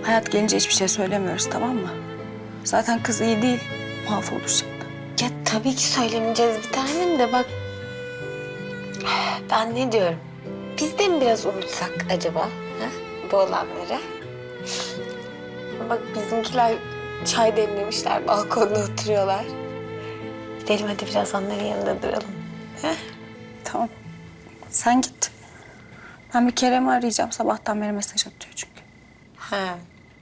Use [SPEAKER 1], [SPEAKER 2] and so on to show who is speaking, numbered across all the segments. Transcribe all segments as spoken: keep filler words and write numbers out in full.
[SPEAKER 1] Hayat gelince hiçbir şey söylemiyoruz, tamam mı? Zaten kız iyi değil, mahvolur şimdi.
[SPEAKER 2] Ya tabii ki söylemeyeceğiz bir tanem de bak. Ben ne diyorum? Biz de mi biraz unutsak acaba ha? Bu olanları? Bak bizimkiler çay demlemişler, balkonda oturuyorlar. Gidelim hadi biraz onların yanında duralım. Ha?
[SPEAKER 1] Tamam, sen git. Ben bir Kerem'i arayacağım, sabahtan beri mesaj atıyor çünkü.
[SPEAKER 2] Ha.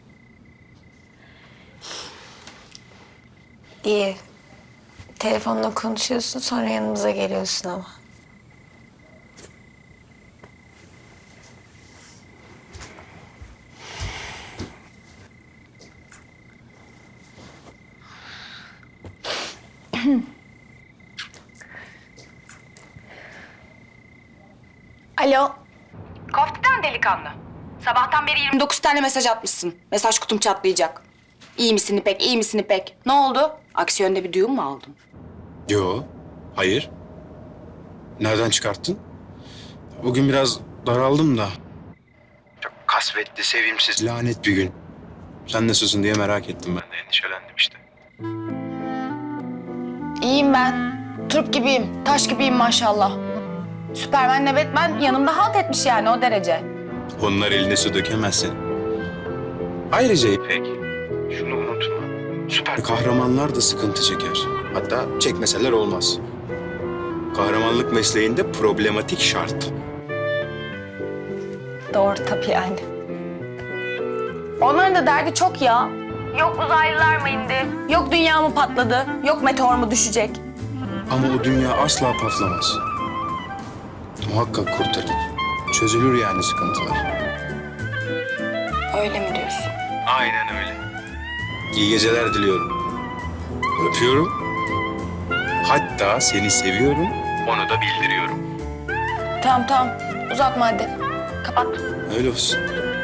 [SPEAKER 2] İyi. Telefonla konuşuyorsun, sonra yanımıza geliyorsun ama. Alo.
[SPEAKER 1] Kofti'den delikanlı. Sabahtan beri yirmi dokuz tane mesaj atmışsın. Mesaj kutum çatlayacak. İyi misin İpek, iyi misin İpek? Ne oldu? Aksi yönde bir duyum mu aldın?
[SPEAKER 3] Yo, hayır. Nereden çıkarttın? Bugün biraz daraldım da. Çok kasvetli, sevimsiz, lanet bir gün. Sen nasılsın diye merak ettim ben de endişelendim işte.
[SPEAKER 1] İyiyim ben. Turp gibiyim, taş gibiyim maşallah. Süpermen'le Batman yanımda halt etmiş yani o derece.
[SPEAKER 3] Onlar eline su dökemezsin. Ayrıca İpek, şunu unutma. Süper kahramanlar da sıkıntı çeker. Hatta çekmeseler olmaz. Kahramanlık mesleğinde problematik şart.
[SPEAKER 1] Doğru tabii yani. Onların da derdi çok ya. Yok uzaylılar mı indi? Yok dünya mı patladı? Yok meteor mu düşecek?
[SPEAKER 3] Ama o dünya asla patlamaz. Muhakkak kurtarılır. Çözülür yani sıkıntılar.
[SPEAKER 1] Öyle mi diyorsun?
[SPEAKER 3] Aynen öyle. İyi geceler diliyorum. Öpüyorum. Hatta seni seviyorum, onu da bildiriyorum.
[SPEAKER 1] Tamam tamam. Uzatma hadi. Kapat.
[SPEAKER 3] Öyle olsun.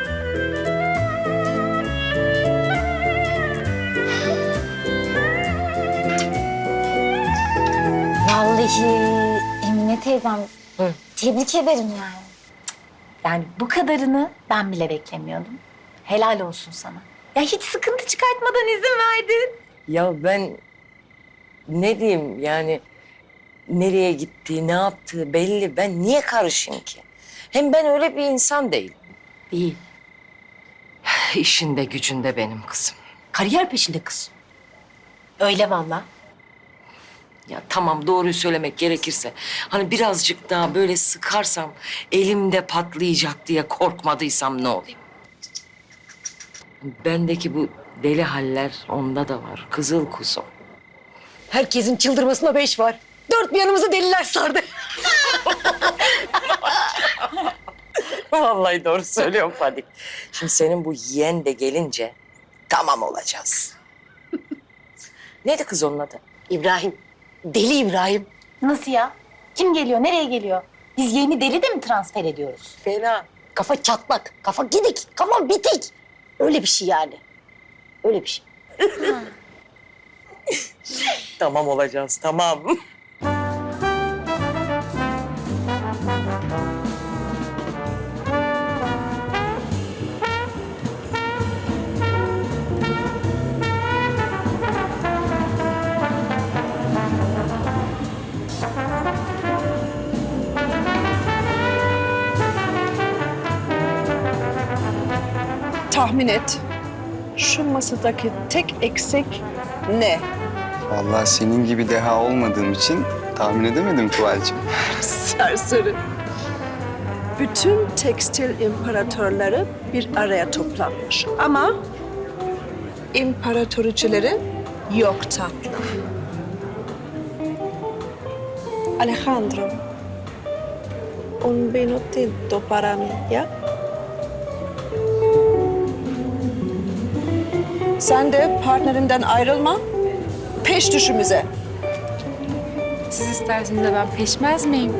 [SPEAKER 2] Vallahi Emine teyzem tebrik ederim yani.
[SPEAKER 4] Yani bu kadarını ben bile beklemiyordum. Helal olsun sana. Ya hiç sıkıntı çıkartmadan izin verdin.
[SPEAKER 5] Ya ben ne diyeyim yani nereye gittiği, ne yaptığı belli. Ben niye karışayım ki? Hem ben öyle bir insan değilim.
[SPEAKER 4] Değil.
[SPEAKER 5] İşinde gücünde benim kızım.
[SPEAKER 4] Kariyer peşinde kız. Öyle vallahi.
[SPEAKER 5] Ya tamam doğruyu söylemek gerekirse hani birazcık daha böyle sıkarsam elimde patlayacak diye korkmadıysam ne olayım? Bendeki bu deli haller onda da var. Kızıl kuzum.
[SPEAKER 4] Herkesin çıldırmasına beş var. Dört bir yanımızı deliler sardı.
[SPEAKER 5] Vallahi doğru söylüyorum Fadik. Şimdi senin bu yeğen de gelince tamam olacağız. Neydi kız onun adı?
[SPEAKER 4] İbrahim. Deli İbrahim. Nasıl ya? Kim geliyor? Nereye geliyor? Biz yeni deli de mi transfer ediyoruz?
[SPEAKER 5] Fena.
[SPEAKER 4] Kafa çatlak, kafa gidik, kafa bitik. Öyle bir şey yani. Öyle bir şey.
[SPEAKER 5] Tamam olacağız, tamam.
[SPEAKER 6] Tahmin et. Şu masadaki tek eksik ne?
[SPEAKER 7] Vallahi senin gibi deha olmadığım için tahmin edemedim Tuval'cığım.
[SPEAKER 6] Serseri. Bütün tekstil imparatorları bir araya toplanmış. Ama imparatoriçeleri yok tatlım. Alejandro, un minutito para mí, ya? Sen de partnerinden ayrılma, peş düşümüze.
[SPEAKER 8] Siz isterseniz de ben peşmez miyim?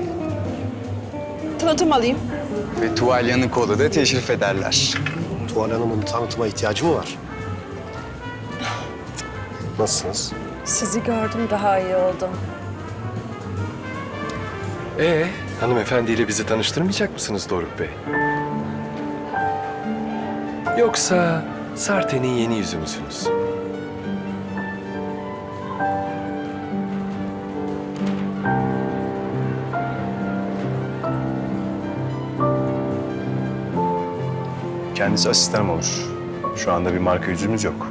[SPEAKER 6] Tanıtım alayım.
[SPEAKER 7] Ve Tuval Yanıkoğlu da teşrif ederler.
[SPEAKER 9] Tuval Hanım'ın tanıtıma ihtiyacı mı var? Nasılsınız?
[SPEAKER 6] Sizi gördüm, daha iyi oldum.
[SPEAKER 9] Ee, hanımefendiyle bizi tanıştırmayacak mısınız Doruk Bey? Yoksa Sarte'nin yeni yüzü müsünüz?
[SPEAKER 10] Kendisi asistanım olur. Şu anda bir marka yüzümüz yok.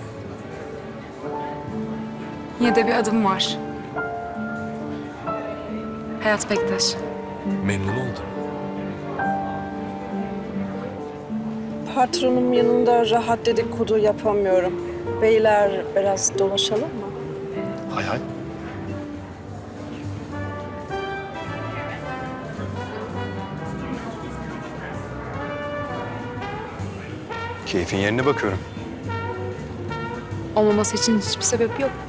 [SPEAKER 8] Yine de bir adım var. Hayat Bektaş.
[SPEAKER 9] Memnun oldum.
[SPEAKER 6] Patronum yanında rahat dedikodu yapamıyorum. Beyler biraz dolaşalım mı?
[SPEAKER 10] Hay hay. Keyfin yerine bakıyorum.
[SPEAKER 8] Olmaması için hiçbir sebep yok.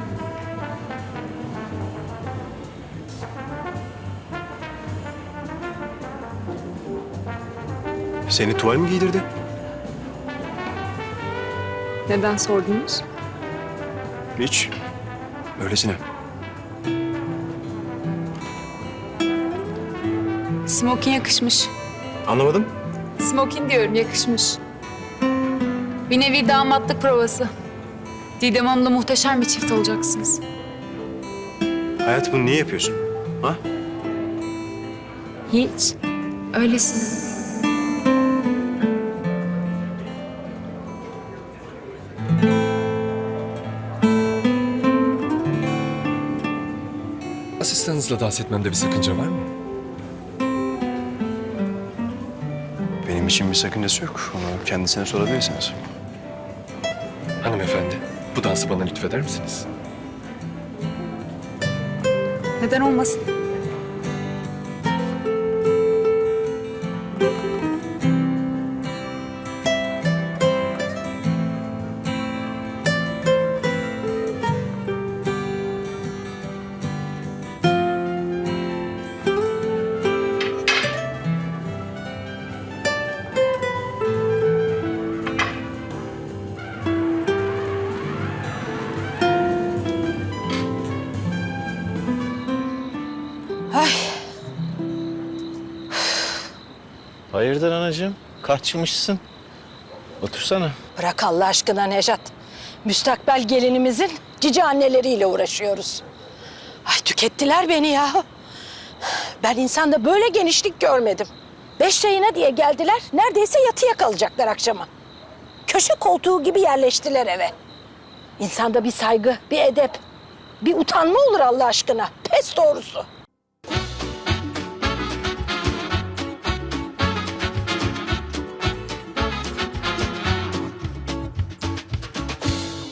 [SPEAKER 10] Seni tuval mi giydirdi?
[SPEAKER 8] Neden sordunuz?
[SPEAKER 10] Hiç. Öylesine.
[SPEAKER 8] Smokin yakışmış.
[SPEAKER 10] Anlamadım.
[SPEAKER 8] Smokin diyorum, yakışmış. Bir nevi damatlık provası. Didem Hanım'la muhteşem bir çift olacaksınız.
[SPEAKER 10] Hayat, bunu niye yapıyorsun? Ha?
[SPEAKER 8] Hiç. Öylesin.
[SPEAKER 9] Asistanınızla dans etmemde bir sakınca var mı?
[SPEAKER 10] Benim için bir sakıncası yok. Onu kendisine sorabilirsiniz.
[SPEAKER 9] Hanımefendi, bu dansı bana lütfeder misiniz?
[SPEAKER 8] Neden olmasın?
[SPEAKER 11] Hayırdır anacığım? Kaçmışsın. Otursana.
[SPEAKER 6] Bırak Allah aşkına Nejat. Müstakbel gelinimizin cici anneleriyle uğraşıyoruz. Ay tükettiler beni ya. Ben insanda böyle genişlik görmedim. Beş çayına diye geldiler, neredeyse yatıya kalacaklar akşama. Köşe koltuğu gibi yerleştiler eve. İnsanda bir saygı, bir edep, bir utanma olur Allah aşkına. Pes doğrusu.